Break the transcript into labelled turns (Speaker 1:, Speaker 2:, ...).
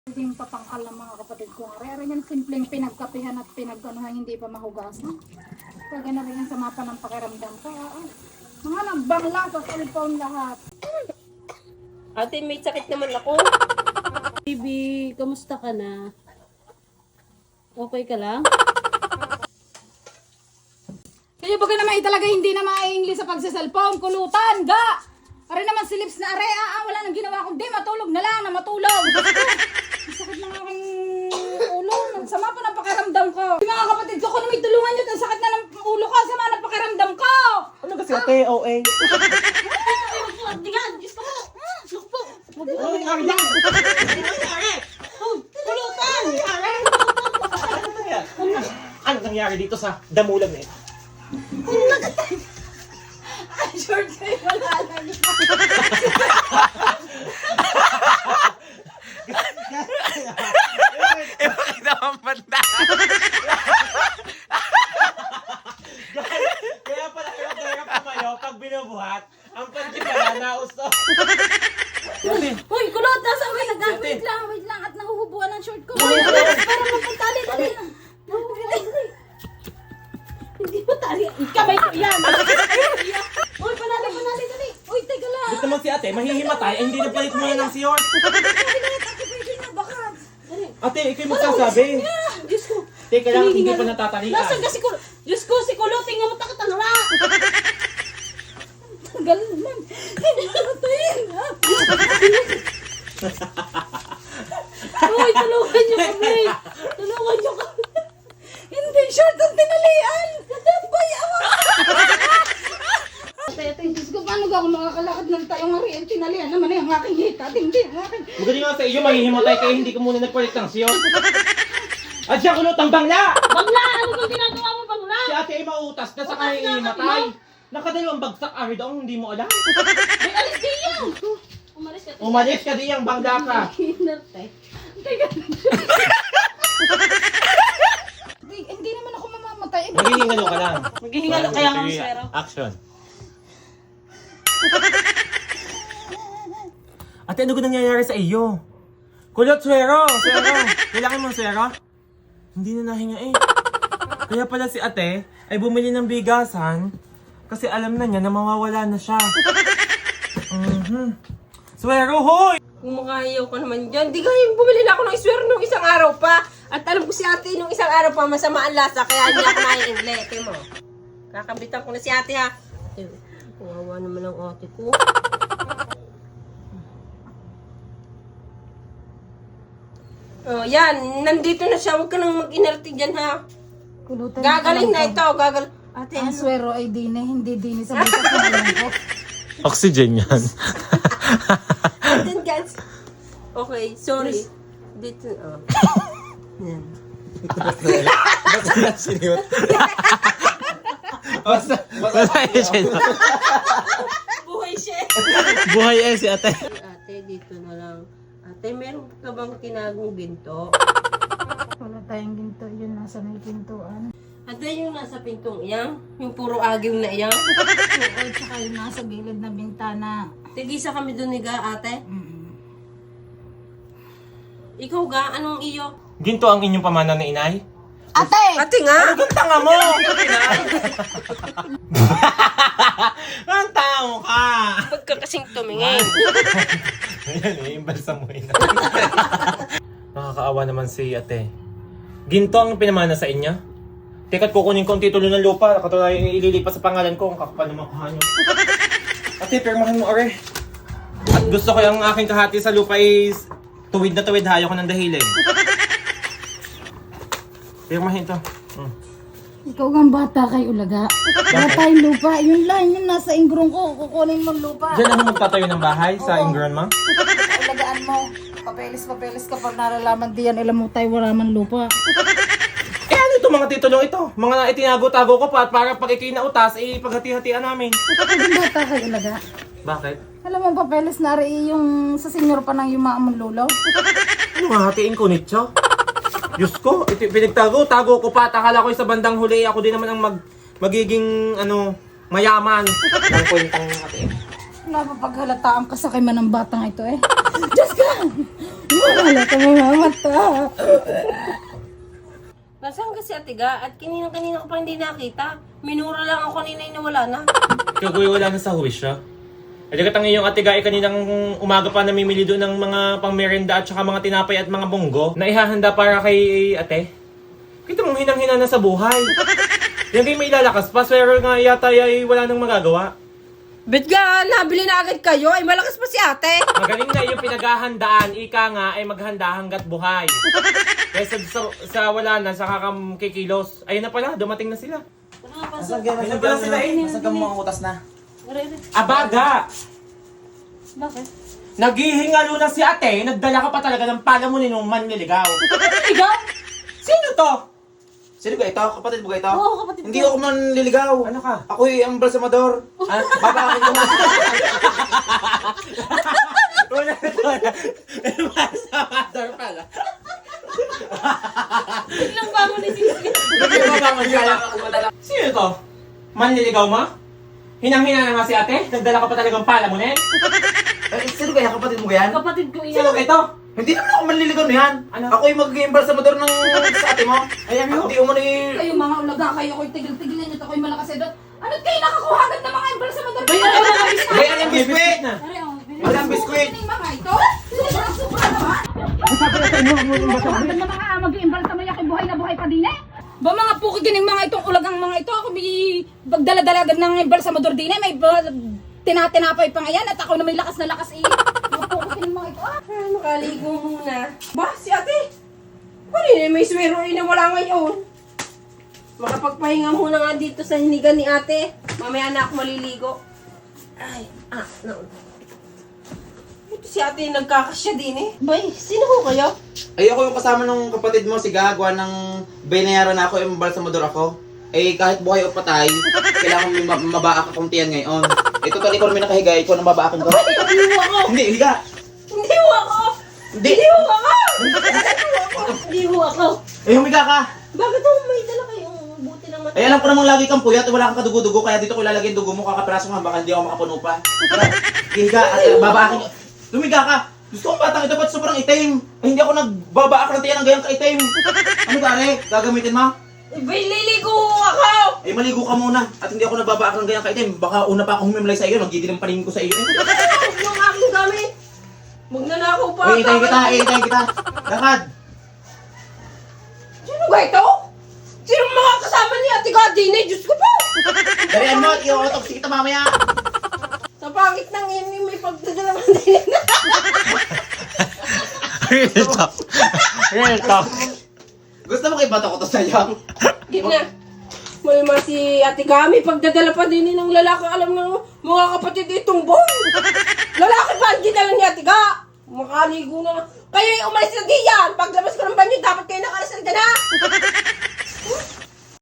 Speaker 1: Hindi patangkal ng mga kapatid ko. Ari yan simpleng pinagkapihan at pinagganuhan, hindi pa mahugasan. Kaya na rin yan sa mapa ng pakiramdam ko. Mga nagbangla sa cellphone lahat.
Speaker 2: Ate, may sakit naman ako.
Speaker 3: Baby, kamusta ka na? Okay ka lang?
Speaker 1: Kaya baga naman talaga hindi na ma-English sa pagsa-cellphone. Kulutan, ga! Ari naman si Lips na are, wala nang ginawa kundi matulog na lang na matulog. Ang sakit ng aking ulo. Ang sama pa ng pakiramdam ko. Mga kapatid ko, kung may tulungan nyo, ang sakit na ng ulo ko, sama ng pakiramdam ko.
Speaker 4: Ano kasi ate, OA?
Speaker 3: Tingnan, Diyos ko mo! Look po!
Speaker 4: Ano nangyari yan?
Speaker 3: Pulutan!
Speaker 4: Ano nangyari dito sa damulag na ito?
Speaker 1: Ay, short kayo, wala lang.
Speaker 5: Bakit naman banda?
Speaker 4: Kaya pala hirap pumayo pag binubuhat, ang panty pala nausto.
Speaker 1: Uy, kulot, nasa wait lang, at nahuhubuan ang short ko. Para magpantali, dali.
Speaker 3: Hindi mo tali. Kamay ko yan!
Speaker 1: Uy, panali, dali. Uy, teka lang.
Speaker 4: Gusto naman si ate, mahihimatay, ay hindi nagpalit muna ng siyon. Ate, ikaw yung magsasabi.
Speaker 3: Diyos ko!
Speaker 4: Teka lang, hindi pa natatalian.
Speaker 3: Nasaan ka si Kulo? Diyos ko, si Kulo, tingnan mo takatanura!
Speaker 1: Tagal naman. Hindi na natin.
Speaker 3: Uy, tulungan niyo kami! Tulungan niyo kami!
Speaker 1: Hindi, short ang tinalian. Boy, awa. Ate, Diyos ko, paano ba ako makakalakad ng tayong ariyan? Tinalian naman ang aking hita. Hindi, ang aking...
Speaker 4: Magaling nga sa iyo, mahihimatay kayo, hindi ka muna nagpalit ng siyon. At siya kulot ang bangla!
Speaker 3: Bangla! Ano bang ginagawa mo, Bangla?
Speaker 4: Si ate ay mautas na sa kaya ihimatay. Nakadalawang bagsak ari daw, hindi mo alam.
Speaker 3: May alis din yan! Umalis ka.
Speaker 4: Umalis ka diyang bangla ka.
Speaker 3: Hinarte.
Speaker 1: Hindi naman ako mamamatay.
Speaker 4: Maghihingalo ka lang.
Speaker 3: Maghihingalo kaya nga ang swero.
Speaker 4: Action. Ate, ano ko nangyayari sa iyo? Kulot, swero! Kailangan mong swero? Hindi na nahinga eh. Kaya pala si ate ay bumili ng bigasan kasi alam na niya na mawawala na siya. Swero, hoy!
Speaker 2: Kung makayaw ka naman dyan, di kaya bumili na ako ng iswer nung isang araw pa. At alam ko si ate nung isang araw pa masama ang lasa, kaya hindi ako naiingle. Tingnan mo. Kakabitan ko na si ate ha. Kawawa naman ang ate ko. Oh, yan. Nandito na siya. Huwag ka nang mag-inerte dyan ha.
Speaker 1: Kulutan.
Speaker 2: Gagaling na ito. Ate,
Speaker 1: Ang
Speaker 2: ano?
Speaker 1: swero ay hindi dini sa butas ng alam ko.
Speaker 5: Oxygen yan.
Speaker 2: Then guys. Okay, sorry. Dito, oh. Yan.
Speaker 5: Basta na siniwat. Basta siya.
Speaker 2: Buhay siya.
Speaker 5: Buhay eh si ate.
Speaker 2: Ate, dito na lang. Ate, meron ka bang tinagong ginto?
Speaker 1: Wala tayong ginto. Yun, nasa may gintuan.
Speaker 2: Ate, yung nasa pintong iyang? Yung puro agiw na iyang?
Speaker 1: Oo, tsaka yung nasa gilid na bintana.
Speaker 2: Tigisa kami dun ni Ga, ate. Ikaw Ga, anong iyo?
Speaker 4: Ginto ang inyong pamana na inay?
Speaker 1: Ate!
Speaker 2: Ate nga!
Speaker 4: Ang tanga mo! Ang tao ka!
Speaker 2: Huwag ka kasing tumingin.
Speaker 4: Ayan eh, imbalsa mo yun. Nakakaawa naman si ate. Ginto ang pinamana sa inyo? Teka't kukunin ko ang titulo ng lupa. Katulad yung ililipat sa pangalan ko. Ang kakapal ng mukha nyo. Ate, pirmahan mo are. At gusto ko yung aking kahati sa lupa is tuwid na tuwid. Hayo ko ng dahilig. Pirmahin to.
Speaker 1: Ikaw ang bata kay Ulaga. Wala tayong lupa. Yun lang, yun nasa ingrong ko. Kukunin mo lupa.
Speaker 4: Diyan ako magtatayo ng bahay sa Ingron, ma?
Speaker 1: Ulagaan mo. Papeles kapag nalalaman diyan, ilam mo tayo wala man lupa.
Speaker 4: Eh ano ito mga titulong ito? Mga itinago-tago ko pa at para pag ikinautas, paghati-hatian namin.
Speaker 1: Ikaw ang bata kay Ulaga.
Speaker 4: Bakit?
Speaker 1: Alam mo, papeles na rin yung sa senyor pa ng yumaamong lulaw.
Speaker 4: Ano nga hatiin ko nito? Diyos ko, ito pinagtago-tago ko pa at akala ko sa bandang huli ako din naman ang magiging mayaman. Ang kwentang hatiin.
Speaker 1: Napapaghalataan ka sa kay man ng batang ito eh. Diyos ka! Wala ka mga mata.
Speaker 2: Nasaan kasi Ate Ga? At kanina ko pa hindi nakita. Minura lang ako kanina na wala na.
Speaker 4: Kagoy, wala na sa huwis siya. At ang iyong ate Ga, kaninang umaga pa namimili doon ng mga pangmerenda at saka mga tinapay at mga bonggo na ihahanda para kay ate. Kita mong hinang-hina na sa buhay. Yan kayo may lalakas pa, pero nga yata ay wala nang magagawa.
Speaker 2: Bet ga, nabili na agad kayo. Ay, malakas pa si ate.
Speaker 4: Magaling na yung pinaghahandaan, ika nga ay maghanda hanggat buhay. Kaya sa wala na, sa kikilos. Ayun na pala, dumating na sila. Ayun na pala sila eh.
Speaker 5: Nasaan ka mga utas na?
Speaker 4: Abaga!
Speaker 3: Bakit?
Speaker 4: Naghihingalo na si ate, nagdala ka pa talaga ng palamunin ng manliligaw.
Speaker 3: Ikaw?
Speaker 4: Sino to?
Speaker 5: Sino ba ito? Kapatid mo ba ito?
Speaker 3: Oo, kapatid
Speaker 5: Hindi ako manliligaw.
Speaker 4: Ano ka?
Speaker 5: Ako'y ang balsamador.
Speaker 4: Ah,
Speaker 5: Babakit ko na.
Speaker 4: wala. Masamador pala.
Speaker 3: Biglang bangon ni Sisi.
Speaker 4: Sino to? Manliligaw mo? Hinang-hina na nga si ate? Nagdala ka pa talagang palamunin?
Speaker 5: Sino kaya kapatid mo yan?
Speaker 3: Kapatid ko
Speaker 4: Sino
Speaker 3: iyan.
Speaker 4: ito?
Speaker 5: Hindi naman ako manliligaw na yan.
Speaker 4: Ano?
Speaker 5: Ako'y magiging balsamador ng sa ate mo.
Speaker 4: Ay, ano?
Speaker 5: Hindi mo ni...
Speaker 1: Kayo mga ulaga, kayo ko'y tigil-tigilin nyo, ako'y malakas edot. Ano't kayo nakakuha agad ng mga embal sa madal?
Speaker 3: Bayaran mo mga biskuit.
Speaker 5: Bayan ang biskwit!
Speaker 4: na.
Speaker 3: Are, oh,
Speaker 5: Walang biskwit!
Speaker 1: Ano yung mga ito? Sobra naman. Agad na mga mag-iimbal sa mayak, buhay na buhay pa din eh. Ba mga puki gining mga itong ulagang mga ito, ako may bagdala-dala agad ng embal sa mador din eh. May tinatinapay pa nga yan at ako na may lakas na lakas eh. Mga puki gining mga ito ah.
Speaker 2: Ah, makaligo muna. Ba, si ate? Kanina may swero na wala ngayon. Makapagpahinga muna nga dito sa hinigan ni ate. Mamaya na ako maliligo. Ay, no. Ito si ate nagkakasya din eh. Bay, sino ho kayo?
Speaker 5: Ay, ako yung kasama ng kapatid mo, si Gagwa, ng binayaran na ako, yung balsamador ako. Eh, kahit buhay o patay, kailangan may mabaak akong tiyan ngayon. Eh, total, ikaw naman nakahiga, ikaw nang babaakin ko.
Speaker 2: Hindi ho ako!
Speaker 5: Hindi, higa!
Speaker 2: Hindi ho ako!
Speaker 5: Hindi!
Speaker 2: Hindi ho ako! Hindi ho ako!
Speaker 5: Eh, humiga ka!
Speaker 2: Bakit ho may dala kayong buti ng mata?
Speaker 5: Eh, alam ko namang lagi kang puyat, wala kang kadugo-dugo, kaya dito ko ilalagay yung dugo mo, kakapiraso nga, baka hindi ako makapuno pa. Tara, higa, at babaakin ko. Lumiga ka! Gusto kong batang ito, ba't sobrang itim? Eh, hindi ako nagbabaak ng tiyan ng gayang kaitim. Ano gari? Gagamitin mo?
Speaker 2: Bay, liligo ako!
Speaker 5: Eh, maligo ka muna. At hindi ako nagbabaak ng gayang kaitim. Baka una pa akong humimlay sa iyo, nagdidin ang paningin ko sa iyo.
Speaker 2: Huwag yung aking gamit! Magnanakaw pa!
Speaker 5: Eh, itayin kita. Lakad!
Speaker 2: Sino ba ito? Sino mga kasama ni Ate Gadine? Diyos ko po!
Speaker 5: Dalian mo, i-autopsy kita mamaya.
Speaker 2: Sa pangit ng ini may pagdadalaman din.
Speaker 5: Real talk. Real talk. Gusto mo ibato ko to sa'yo?
Speaker 2: Game na. Malima si Ate Kami, pagdadala pa din ng lalaki. Alam ng mga kapatid itong boy. Lalaki pa, ang ginala ni Ate Ga. Makaligo na. Kayo yung umalis na diyan. Paglabas ko ng banyo, dapat kayo nakalasal ka na.